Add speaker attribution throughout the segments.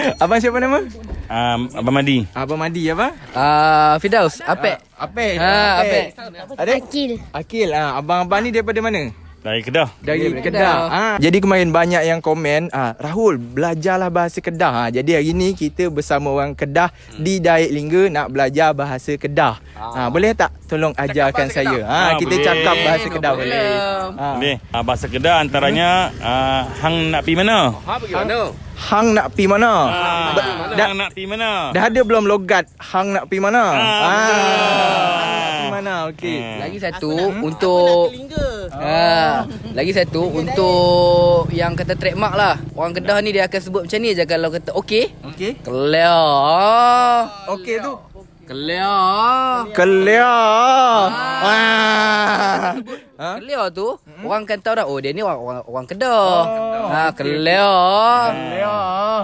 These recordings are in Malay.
Speaker 1: Abang siapa nama?
Speaker 2: Abang Madi.
Speaker 1: Abang Madi apa?
Speaker 3: Firdaus, Apek.
Speaker 1: Apek.
Speaker 3: Apek.
Speaker 1: Ada?
Speaker 4: Akil.
Speaker 1: Akil. Abang-abang ni daripada mana?
Speaker 2: Dari Kedah.
Speaker 1: Dari Kedah. Jadi kemarin banyak yang komen, Rahul belajarlah bahasa Kedah. Jadi hari ni kita bersama orang Kedah di Daik Lingga nak belajar bahasa Kedah. Boleh tak tolong ajarkan saya? Kita
Speaker 2: boleh.
Speaker 1: cakap bahasa Kedah boleh.
Speaker 2: Boleh. Bahasa Kedah antaranya hang nak pi mana?
Speaker 1: Hang nak pi mana?
Speaker 2: Hang nak pi mana?
Speaker 1: Dah ada belum logat hang nak pi mana? Pi mana? Okey.
Speaker 3: Lagi satu untuk lagi satu untuk yang kata trademark lah. Orang Kedah ni dia akan sebut macam ni je kalau kata okey.
Speaker 1: Okey.
Speaker 3: Kelia.
Speaker 1: Okey tu.
Speaker 3: Kelia.
Speaker 1: Kelia.
Speaker 3: Kelia tu orang akan tahu dah, oh dia ni orang Kedah. Kelia.
Speaker 1: Kelia.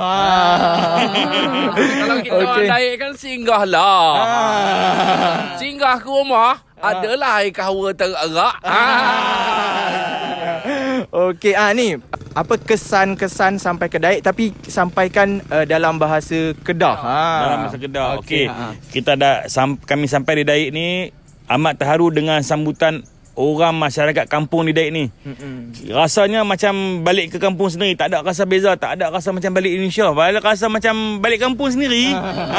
Speaker 5: Kalau kita orang Daik kan singgah lah. Singgah ke rumah adalah air kahwa terak.
Speaker 1: Okey, ni apa kesan-kesan sampai ke Daik tapi sampaikan dalam bahasa Kedah.
Speaker 2: Dalam bahasa Kedah. Okey.
Speaker 1: Kita
Speaker 2: Kami sampai di Daik ni amat terharu dengan sambutan orang masyarakat kampung di Daik ni. Rasanya macam balik ke kampung sendiri, tak ada rasa beza, tak ada rasa macam balik Indonesia. Balik rasa macam balik kampung sendiri.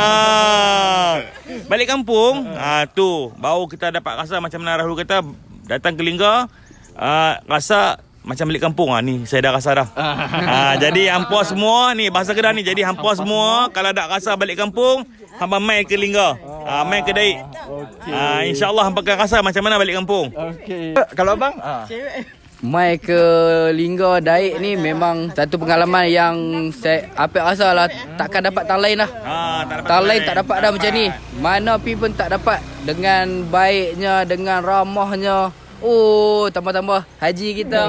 Speaker 2: Balik kampung, tu baru kita dapat rasa macam mana Rahul kata, datang ke Lingga, rasa macam balik kampung. Ni saya dah rasa dah. Jadi hampa semua ni bahasa Kedah ni. Jadi hampa semua kalau ada rasa balik kampung, hampa main ke Lingga. Main ke Daik. InsyaAllah hampa akan rasa macam mana balik kampung.
Speaker 1: Okey. Kalau abang?
Speaker 3: Mai ke Lingga Daik ni memang satu pengalaman yang saya Apek rasa lah takkan dapat tang lain lah. Tang lain tak dapat dah macam ni. Mana pi pun tak dapat. Dengan baiknya, dengan ramahnya. Oh, tambah-tambah haji kita.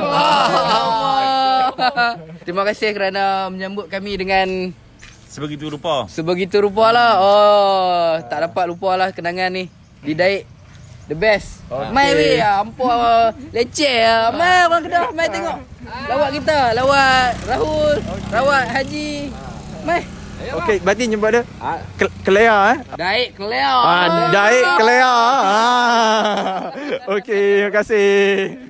Speaker 3: Terima kasih kerana menyambut kami dengan
Speaker 2: Sebegitu rupa.
Speaker 3: sebegitu rupa lah. Oh, tak dapat lupa lah kenangan ni. Di Daik, the best. Mai weh, ampun leceh lah. Mai orang Kedah, mai tengok. Lawak kita, lawak Rahul, lawak Haji. Mai.
Speaker 1: Okey, berarti nyebut dia Kelia
Speaker 3: Daik Kelia.
Speaker 1: Daik Kelia. Okey, terima kasih.